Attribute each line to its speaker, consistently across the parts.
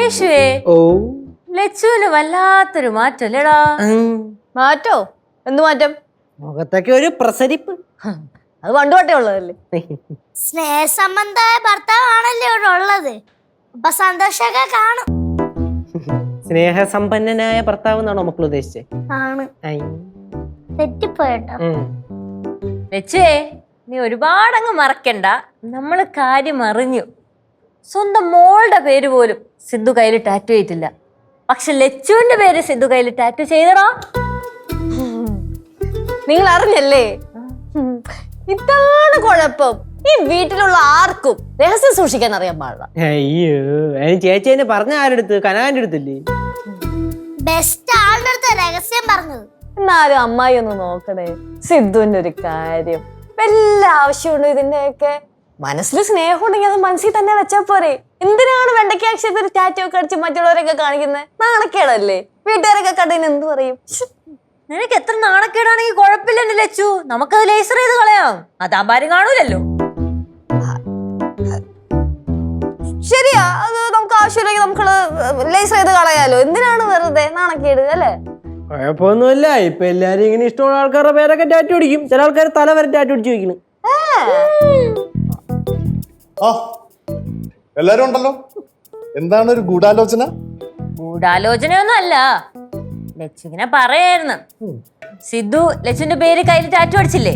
Speaker 1: കേശുവേ, ലച്ചുവിന് വല്ലാത്തൊരു മാറ്റല്ലേടാ.
Speaker 2: മാറ്റോ? എന്ത് മാറ്റം?
Speaker 3: മുഖത്തൊക്കെ ഒരു പ്രസരിപ്പ്.
Speaker 2: അത് പണ്ടുതൊട്ടേ ഉള്ളതല്ലേ.
Speaker 4: സ്നേഹസംബന്ധമായ ഭർത്താവാണല്ലേ ഇവിടെ ഉള്ളത്. അപ്പൊ സന്തോഷമൊക്കെ കാണും.
Speaker 3: സ്നേഹസമ്പന്നനായ ഭർത്താവ് എന്നാണോ മക്കൾ ഉദ്ദേശിച്ചത്?
Speaker 4: ആണ്. തെറ്റിപ്പോയിട്ടോ.
Speaker 1: ലച്ചുവേ, നീ ഒരുപാടങ്ങ് മറക്കണ്ട. നമ്മള് കാര്യം അറിഞ്ഞു. സ്വന്തം മോളുടെ പേര് പോലും സിദ്ധു കയ്യിൽ ടാറ്റു ചെയ്തില്ല. പക്ഷെ ലച്ചുവിന്റെ പേര് സിദ്ധു കയ്യിൽ ടാറ്റു ചെയ്തടാ.
Speaker 2: നിങ്ങൾ അറിഞ്ഞല്ലേ? ഇതാണ് കുഴപ്പം. ഈ വീട്ടിലുള്ള ആർക്കും രഹസ്യം സൂക്ഷിക്കാൻ അറിയാൻ പാടില്ല.
Speaker 3: അയ്യോ, ചേച്ചി എന്നെ പറഞ്ഞ ആരെടുത്ത്? കനാന്റെ അടുത്തില്ലേ?
Speaker 4: ബെസ്റ്റ് ആളുടെ അടുത്ത് രഹസ്യം പറഞ്ഞത്.
Speaker 2: എന്നാലും അമ്മായി ഒന്ന് നോക്കണേ സിദ്ധുവിന്റെ ഒരു കാര്യം. വല്ല ആവശ്യമുണ്ടോ ഇതിന്റെയൊക്കെ? മനസ്സിൽ സ്നേഹം ഉണ്ടെങ്കിൽ അത് മനസ്സിൽ തന്നെ വെച്ചാ പോരെ. എന്തിനാണ് വെണ്ടയ്ക്ക അക്ഷരത്തിൽ ടാറ്റു ഒക്കെ അടിച്ച് മറ്റുള്ളവരൊക്കെ കാണിക്കുന്നത്? നാണക്കേടല്ലേ? വീട്ടുകാരൊക്കെ കണ്ടതിന് എന്ത് പറയും?
Speaker 1: നിനക്ക് എത്ര നാണക്കേടാണെങ്കിൽ കുഴപ്പമില്ലെന്ന് ലച്ചു. നമുക്കത് ലേസർ ചെയ്ത് കളയാം. അതാരും കാണൂലല്ലോ.
Speaker 2: ശരിയാ, അത് നമുക്ക് ആവശ്യമില്ലെങ്കിൽ നമുക്ക് ലേസർ ചെയ്ത് കളയാലോ. എന്തിനാണ് വെറുതെ നാണക്കേട് അല്ലേ?
Speaker 3: കുഴപ്പമൊന്നുമില്ല. ഇപ്പൊ എല്ലാരും ഇങ്ങനെ ഇഷ്ടമുള്ള ആൾക്കാരുടെ പേരൊക്കെ ടാറ്റു അടിക്കും. ചില ആൾക്കാർ തല വരെ ടാറ്റു അടിച്ചു വെക്കുന്നു.
Speaker 5: എല്ലാരും ഉണ്ടല്ലോ. എന്താണ് ഒരു ഗൂഢാലോചന?
Speaker 1: ഗൂഢാലോചനയൊന്നും അല്ല. ലച്ചു ഇങ്ങനെ പറയായിരുന്നു. സിദ്ധു ലച്ചുവിന്റെ പേര് കയ്യിൽ ടാറ്റു അടിച്ചില്ലേ?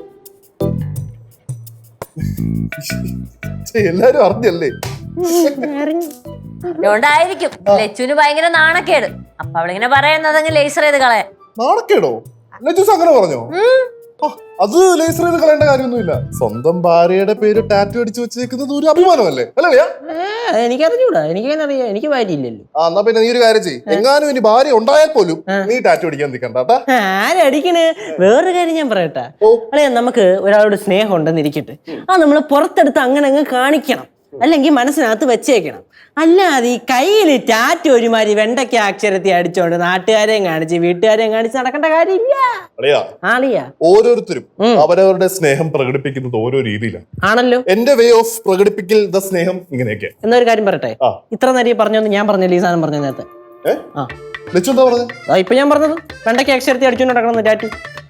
Speaker 5: എല്ലാരും അറിഞ്ഞല്ലേ?
Speaker 1: അതുകൊണ്ടായിരിക്കും ലച്ചുവിന് ഭയങ്കര നാണക്കേട്. അപ്പൊ അവളിങ്ങനെ പറയുന്നത് അങ്ങ് ലേസർ ചെയ്ത് കളയാൻ.
Speaker 5: നാണക്കേടോ? ലജൂസ് അങ്ങനെ പറഞ്ഞോ? അത് ലേസർ ചെയ്ത് കളയേണ്ട കാര്യമൊന്നുമില്ല. സ്വന്തം ഭാര്യയുടെ പേര് ടാറ്റു അടിച്ചു വെച്ചേക്കുന്നത് ഒരു അഭിമാനമല്ലേ? അല്ലേ?
Speaker 3: എനിക്കറിഞ്ഞൂടാ. എനിക്കങ്ങനെ അറിയാം. എനിക്ക് ഭാര്യയില്ലല്ലോ.
Speaker 5: എന്നാ പിന്നെ നീ ഒരു കാര്യം ചെയ്യ്. എങ്ങാനും ഇനി ഭാര്യ ഉണ്ടായാൽ പോലും നീ ടാറ്റു അടിക്കാൻ നിൽക്കണ്ടാ.
Speaker 3: ആരടിക്കണ്? വേറൊരു കാര്യം ഞാൻ പറയട്ടെ. അല്ലെ, നമുക്ക് ഒരാളോട് സ്നേഹം ഉണ്ടെന്നിരിക്കട്ടെ, അത് നമ്മള് പുറത്തെടുത്ത് അങ്ങനെ അങ്ങ് കാണിക്കണം. അല്ലെങ്കിൽ മനസ്സിനകത്ത് വെച്ചേക്കണം. അല്ലാതെ ഈ കയ്യിൽ ടാറ്റു ഒരുമാതിരി വെണ്ടയ്ക്ക അക്ഷരത്തിൽ അടിച്ചോണ്ട് നാട്ടുകാരെയും കാണിച്ച് വീട്ടുകാരെയും കാണിച്ച് നടക്കേണ്ട കാര്യമില്ല.
Speaker 5: ഓരോരുത്തരും അവരവരുടെ സ്നേഹം പ്രകടിപ്പിക്കുന്നത് ഓരോ രീതിയിലാണ്
Speaker 3: ആണല്ലോ.
Speaker 5: എന്റെ വേ ഓഫ് പ്രകടിപ്പിക്കൽ ദ സ്നേഹം ഇങ്ങനെയൊക്കെ.
Speaker 3: എന്നൊരു കാര്യം പറയട്ടെ. ഇത്ര നേരം പറഞ്ഞോന്ന് ഞാൻ പറഞ്ഞില്ല. ഈ സാധനം പറഞ്ഞ നേരത്തെ
Speaker 5: എന്താ പറഞ്ഞത്?
Speaker 3: ഇപ്പൊ ഞാൻ പറഞ്ഞത് വെണ്ടയ്ക്ക അക്ഷരത്തിൽ അടിച്ചോണ്ട് നടക്കണം ടാറ്റു.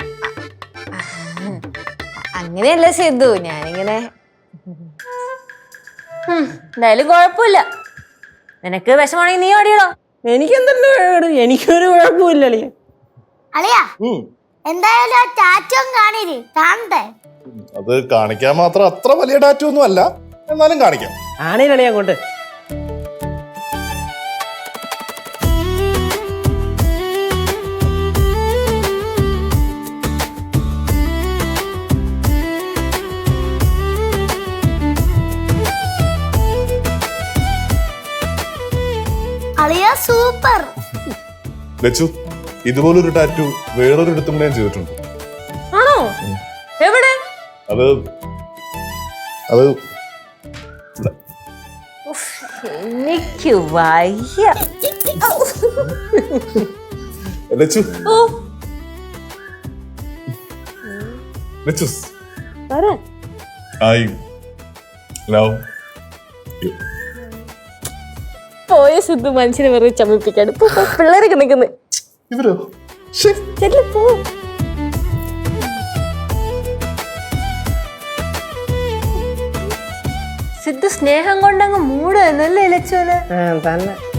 Speaker 2: അങ്ങനെയല്ല സിദ്ധു, ഞാനിങ്ങനെ
Speaker 1: എന്തായാലും കുഴപ്പമില്ല. നിനക്ക് വിഷമാണെങ്കിൽ നീ ഓടിയടോ.
Speaker 3: എനിക്കെന്തല്ലോ, എനിക്കൊരു കുഴപ്പമില്ലല്ലേ.
Speaker 4: അളിയാ, എന്തായാലും ആ ടാറ്റു കാണണ്ടേ?
Speaker 5: അത് കാണിക്കാൻ മാത്രം അത്ര വലിയ ടാറ്റു ഒന്നും അല്ല, എന്നാലും കാണിക്കാം.
Speaker 3: ആണേലളിയാ അങ്ങോട്ട്.
Speaker 4: സൂപ്പർ
Speaker 5: ലച്ചു, ഇതുപോലൊരു ടാറ്റു വേറൊരു ഇടത്തും ഞാൻ ചെയ്തിട്ടുണ്ട്.
Speaker 1: ആണോ? എവിടെ?
Speaker 5: അത്
Speaker 1: എനിക്ക് വയ്യ.
Speaker 5: Lachu, Lachu, I love you.
Speaker 2: പോയ സിദ്ധു മനുഷ്യനെ വെറുതെ ചമ്മിപ്പിക്കാണ്. പിള്ളേരൊക്കെ നിൽക്കുന്നത്.
Speaker 5: ഇവരോ?
Speaker 1: സിദ്ധു സ്നേഹം കൊണ്ടങ്ങ് മൂടുന്നല്ലേ ലച്ചുവിന്?
Speaker 3: തന്നെ.